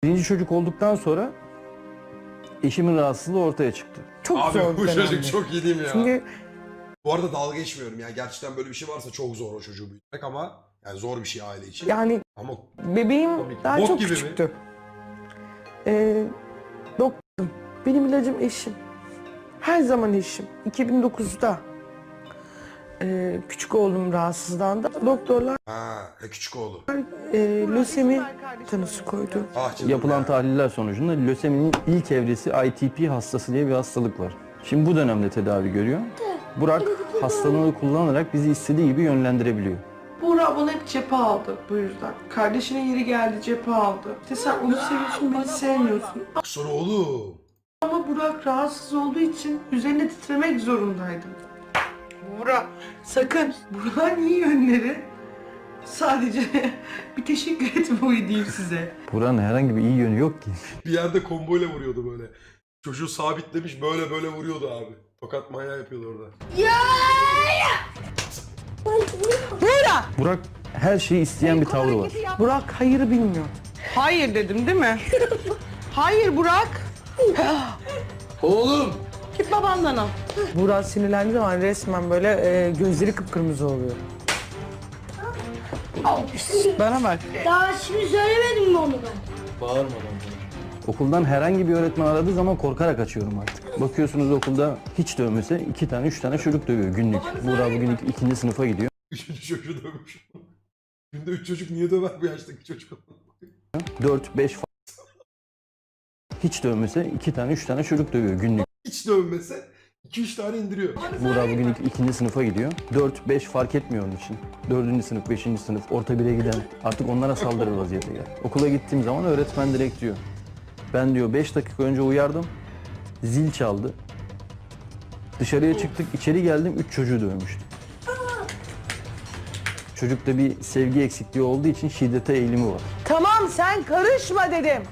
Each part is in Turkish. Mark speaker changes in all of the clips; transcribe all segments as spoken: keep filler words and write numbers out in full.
Speaker 1: Birinci çocuk olduktan sonra eşimin rahatsızlığı ortaya çıktı.
Speaker 2: Çok
Speaker 3: Abi
Speaker 2: zor
Speaker 3: bu
Speaker 2: bir
Speaker 3: çocuk
Speaker 2: dönemdi.
Speaker 3: çok iyi değil mi ya?
Speaker 2: Çünkü
Speaker 3: Bu arada dalga geçmiyorum ya. Gerçekten böyle bir şey varsa çok zor o çocuğu büyütmek ama yani zor bir şey aile için.
Speaker 2: yani
Speaker 3: Ama
Speaker 2: bebeğim
Speaker 3: komik.
Speaker 2: daha
Speaker 3: Bok
Speaker 2: çok
Speaker 3: gibi mi?
Speaker 2: küçüktü. Ee, doktorum. Benim ilacım eşim. Her zaman eşim. iki bin dokuzda ee, küçük oğlum rahatsızlandı. Doktorlar
Speaker 3: ha, e, küçük oğlu.
Speaker 2: e, lösemi tanısı koydu.
Speaker 3: Ah canım
Speaker 1: Yapılan
Speaker 3: ya.
Speaker 1: tahliller sonucunda löseminin ilk evresi I T P hastası diye bir hastalık var. Şimdi bu dönemde tedavi görüyor. Burak hastalığını kullanarak bizi istediği gibi yönlendirebiliyor.
Speaker 2: Buğra bana hep cephe aldı bu yüzden. Kardeşinin yeri geldi cephe aldı. İşte sen onu seviyorsun beni sevmiyorsun.
Speaker 3: Sonra oğlum.
Speaker 2: Ama Burak rahatsız olduğu için üzerine titremek zorundaydım. Burak sakın. Burak'ın iyi yönleri sadece bir teşekkür etme oyu diyeyim size.
Speaker 1: Burak'ın herhangi bir iyi yönü yok ki.
Speaker 3: Bir yerde komboyla vuruyordu böyle. Çocuğu sabitlemiş böyle böyle vuruyordu abi. Tokat manyağı yapıyordu orada.
Speaker 2: Burak!
Speaker 1: Burak her şeyi isteyen bir tavrı var.
Speaker 2: Burak hayırı bilmiyor. Hayır dedim değil mi? Hayır Burak.
Speaker 3: Oğlum!
Speaker 2: Git babandan al. Burak sinirlendiği zaman resmen böyle e, gözleri kıpkırmızı oluyor. Bana bak.
Speaker 4: Daha şimdi söylemedim mi onu ben?
Speaker 1: Okuldan herhangi bir öğretmen aradığı zaman korkarak açıyorum artık. Bakıyorsunuz okulda hiç dövmese iki tane üç tane çocuk dövüyor günlük. Burak bugün ik- ikinci sınıfa gidiyor.
Speaker 3: Üçüncü çocuğu dövmüş. Günde üç çocuk niye döver bu yaştaki çocuk?
Speaker 1: dört beş hiç dövmese iki tane üç tane çocuk dövüyor günlük.
Speaker 3: Hiç dövmese iki üç tane indiriyor.
Speaker 1: Burak bugün ik- ikinci sınıfa gidiyor. dört beş fark etmiyor onun için. dördüncü sınıf, beşinci sınıf, orta bire giden artık onlara saldırır vaziyete gel. Okula gittiğim zaman öğretmen direkt diyor. Ben diyor beş dakika önce uyardım. Zil çaldı. Dışarıya çıktık, içeri geldim, üç çocuğu dövmüştü. Çocukta bir sevgi eksikliği olduğu için şiddete eğilimi var.
Speaker 2: Tamam sen karışma dedim.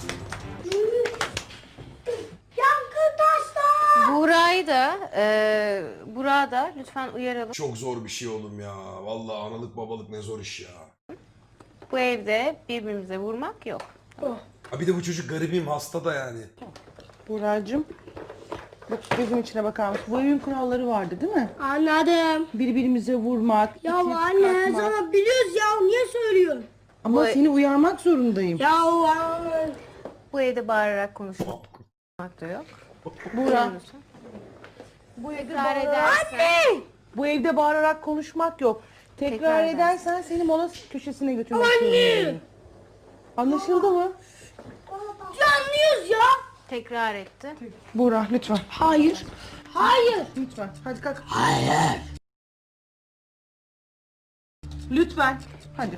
Speaker 4: Yankı taşlar!
Speaker 5: Buğra'yı da, e, Burak'ı da lütfen uyaralım.
Speaker 3: Çok zor bir şey oğlum ya. Vallahi analık babalık ne zor iş ya.
Speaker 5: Bu evde birbirimize vurmak yok.
Speaker 3: Ha bir de bu çocuk garibim hasta da yani.
Speaker 2: Buğra'cığım. Bak gözüm içine bakar mısın? Bu evin kuralları vardı değil mi?
Speaker 4: Anladım.
Speaker 2: Birbirimize vurmak,
Speaker 4: Ya
Speaker 2: itip
Speaker 4: anne her
Speaker 2: kalkmak.
Speaker 4: zaman biliyoruz ya niye söylüyorsun?
Speaker 2: Ama
Speaker 5: Bu-
Speaker 2: seni uyarmak zorundayım.
Speaker 4: Ya anne.
Speaker 5: Bu evde bağırarak konuşmak da yok.
Speaker 2: Buğra.
Speaker 5: Lütfen.
Speaker 2: Bu evde
Speaker 5: Tekrar
Speaker 2: bağırarak,
Speaker 5: edersen.
Speaker 2: bu evde bağırarak konuşmak yok. Tekrar,
Speaker 5: Tekrar
Speaker 2: edersen seni mola köşesine götürmek zorundayım. Anlaşıldı mı?
Speaker 4: Ya anlıyoruz ya.
Speaker 5: Tekrar etti.
Speaker 2: Buğra lütfen.
Speaker 4: Hayır. Hayır.
Speaker 2: Lütfen. Hadi kalk. Hayır. Lütfen. Hadi.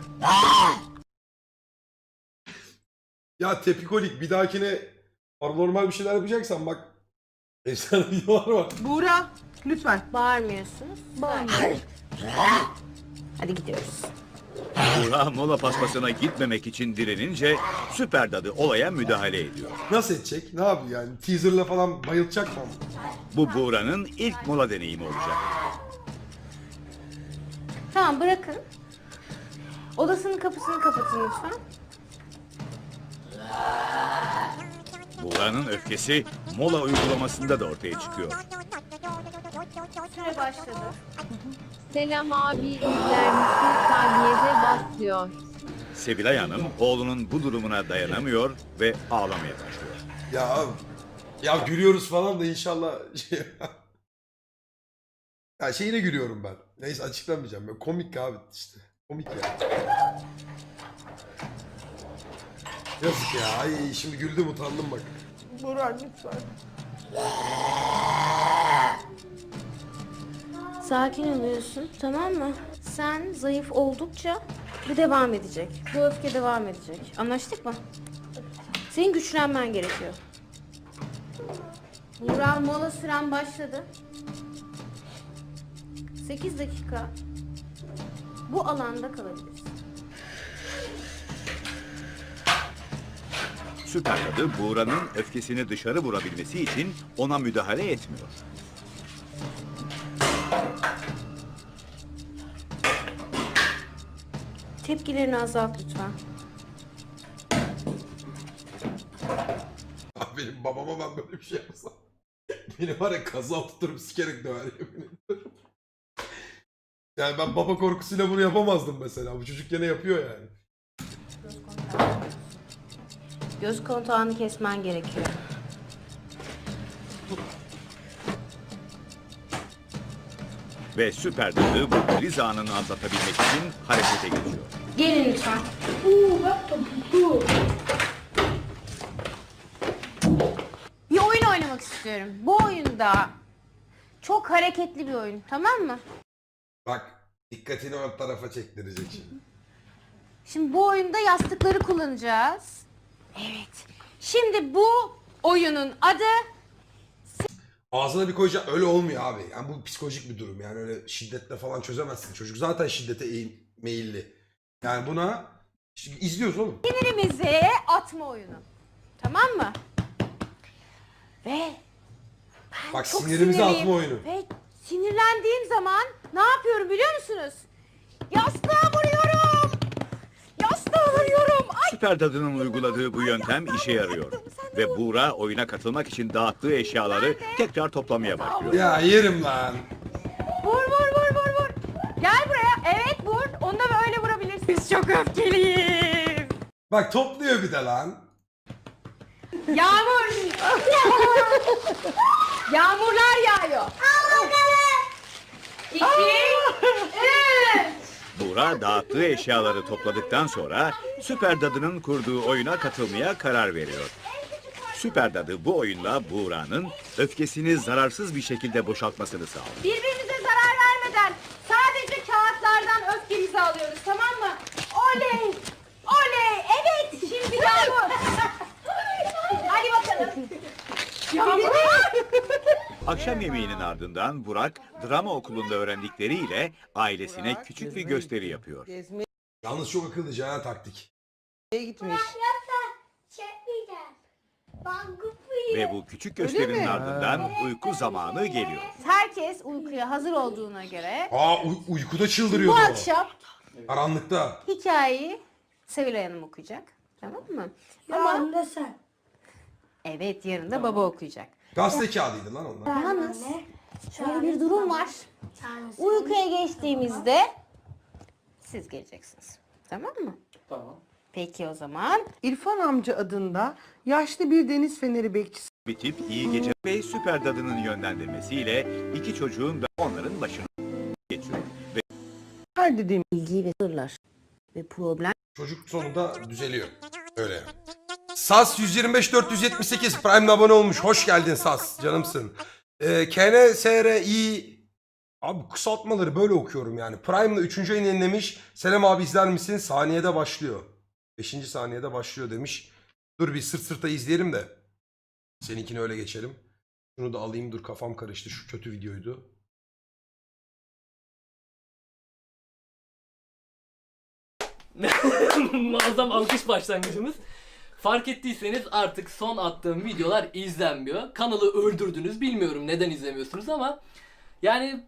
Speaker 3: Ya tepikolik bir dahakine paranormal bir şeyler yapacaksan bak. Efsane videolar var.
Speaker 2: Buğra lütfen.
Speaker 5: Bağırmıyorsunuz. Bağırmıyorsunuz. Hadi gidiyoruz.
Speaker 6: Buğra mola paspasına gitmemek için direnince Süper Dadı olaya müdahale ediyor.
Speaker 3: Nasıl edecek? Ne yapıyor yani? Teaserla falan bayılacak mı?
Speaker 6: Bu Buğra'nın ilk mola deneyimi olacak.
Speaker 5: Tamam bırakın. Odasının kapısını kapatın lütfen.
Speaker 6: Buğra'nın öfkesi mola uygulamasında da ortaya çıkıyor.
Speaker 5: Süre başladı.
Speaker 7: Selam abi izler misin? Saniyede başlıyor.
Speaker 6: Sevilay Hanım oğlunun bu durumuna dayanamıyor ve ağlamaya başlıyor.
Speaker 3: Ya ya gülüyoruz falan da inşallah şey... Ya şeyine gülüyorum ben. Neyse açıklamayacağım. Ben komik abi işte. Komik ya. Yazık ya. Ay şimdi güldüm utandım bak.
Speaker 2: Buğra lütfen.
Speaker 5: Sakin oluyorsun, tamam mı? Sen zayıf oldukça bu devam edecek. Bu öfke devam edecek. Anlaştık mı? Senin güçlenmen gerekiyor. Burak mola süren başladı. sekiz dakika bu alanda kalabilirsin.
Speaker 6: Süper Dadı Buğra'nın öfkesini dışarı vurabilmesi için ona müdahale etmiyor.
Speaker 5: Tepkilerini azalt lütfen.
Speaker 3: benim babama ben böyle bir şey yapsam. Beni var ya kaza tuturup sikerek döver yemin ederim. Yani ben baba korkusuyla bunu yapamazdım mesela. Bu çocuk gene yapıyor yani.
Speaker 5: Göz kontağını kesmen gerekiyor.
Speaker 6: Ve süper dadı bu kriz anını atlatabilmek için harekete geçiyor.
Speaker 5: Gelin lütfen.
Speaker 4: Uuu bak topuklu.
Speaker 5: Bir oyun oynamak istiyorum. Bu oyunda çok hareketli bir oyun, tamam mı?
Speaker 3: Bak dikkatini o tarafa çektirecek şimdi.
Speaker 5: Şimdi bu oyunda yastıkları kullanacağız. Evet. Şimdi bu oyunun adı
Speaker 3: Ağzına bir koyacak öyle olmuyor abi. Yani bu psikolojik bir durum. Yani öyle şiddetle falan çözemezsin. Çocuk zaten şiddete eğim, meyilli. Yani buna şimdi izliyoruz oğlum.
Speaker 5: sinirimizi atma oyunu. Tamam mı? Ve ben
Speaker 3: Bak
Speaker 5: çok
Speaker 3: sinirimizi
Speaker 5: sinirliyim.
Speaker 3: atma oyunu.
Speaker 5: Ve sinirlendiğim zaman ne yapıyorum biliyor musunuz? Yastığa vuruyorum. Yastığa vuruyorum. Ay,
Speaker 6: Süper dadının uyguladığı bu yöntem işe yarıyor. Ve Buğra oyuna katılmak için dağıttığı eşyaları tekrar toplamaya başlıyor.
Speaker 3: Ya yerim lan.
Speaker 5: vur vur vur vur vur. Gel buraya. Evet vur. Onu da böyle vurabilirsin. Biz çok öfkeliyiz.
Speaker 3: Bak topluyor bir de lan.
Speaker 5: Yağmur. Yağmurlar yağıyor. Al bakalım. İki. Üç.
Speaker 6: Buğra dağıttığı eşyaları topladıktan sonra Süper Dadı'nın kurduğu oyuna katılmaya karar veriyor. Süper Dadı bu oyunla Buğra'nın öfkesini zararsız bir şekilde boşaltmasını sağlıyor.
Speaker 5: Birbirimize zarar vermeden sadece kağıtlardan öfkemizi alıyoruz, tamam mı? Oley! Oley! Evet! Şimdi Yağmur. Hadi bakalım. Yağmur.
Speaker 6: Akşam yemeğinin ardından Burak drama okulunda öğrendikleriyle ailesine küçük bir gösteri yapıyor.
Speaker 2: Gezmeye
Speaker 3: Yalnız çok akıllıca ha taktik.
Speaker 2: gitmiş.
Speaker 4: Çekmeyeceğim. Ben kupayım.
Speaker 6: Ve bu küçük gösterinin ardından uyku zamanı geliyor.
Speaker 5: Herkes uykuya hazır olduğuna göre
Speaker 3: Aa uy- uykuda
Speaker 5: bu
Speaker 3: çıldırıyordu o.
Speaker 5: akşam
Speaker 3: Karanlıkta.
Speaker 5: hikayeyi Sevilay Hanım okuyacak. Tamam mı?
Speaker 4: Ama
Speaker 5: Ama
Speaker 4: da sen.
Speaker 5: evet, yarın da baba okuyacak.
Speaker 3: Gazete kağıdıydı lan onlar.
Speaker 5: Yalnız şöyle bir durum var.
Speaker 4: Tanrısı.
Speaker 5: Uykuya geçtiğimizde siz geleceksiniz. Tamam mı?
Speaker 8: Tamam.
Speaker 5: Peki o zaman.
Speaker 2: İrfan amca adında yaşlı bir deniz feneri bekçisi
Speaker 6: Bitip iyi gece ve Süper Dadı'nın yönlendirmesiyle iki çocuğun da onların başına geçiyor. Ve
Speaker 2: her dediğim
Speaker 5: Bilgi ve sırlar ve problem.
Speaker 3: Çocuk sonunda düzeliyor. Öyle. Sas yüz yirmi beş dört yüz yetmiş sekiz Prime'le abone olmuş. Hoş geldin Sas. Canımsın. Ee, K N S R I Abi kısaltmaları böyle okuyorum yani. Prime'la üçüncü ayını yenilemiş. Selam abi izler misin? Saniyede başlıyor. beşinci saniyede başlıyor demiş. Dur bir sırt sırta izleyelim de. Seninkini öyle geçelim. Şunu da alayım, dur kafam karıştı. Şu kötü videoydu.
Speaker 8: Muazzam alkış başlangıcımız. Fark ettiyseniz artık son attığım videolar izlenmiyor. Kanalı öldürdünüz. Bilmiyorum neden izlemiyorsunuz ama yani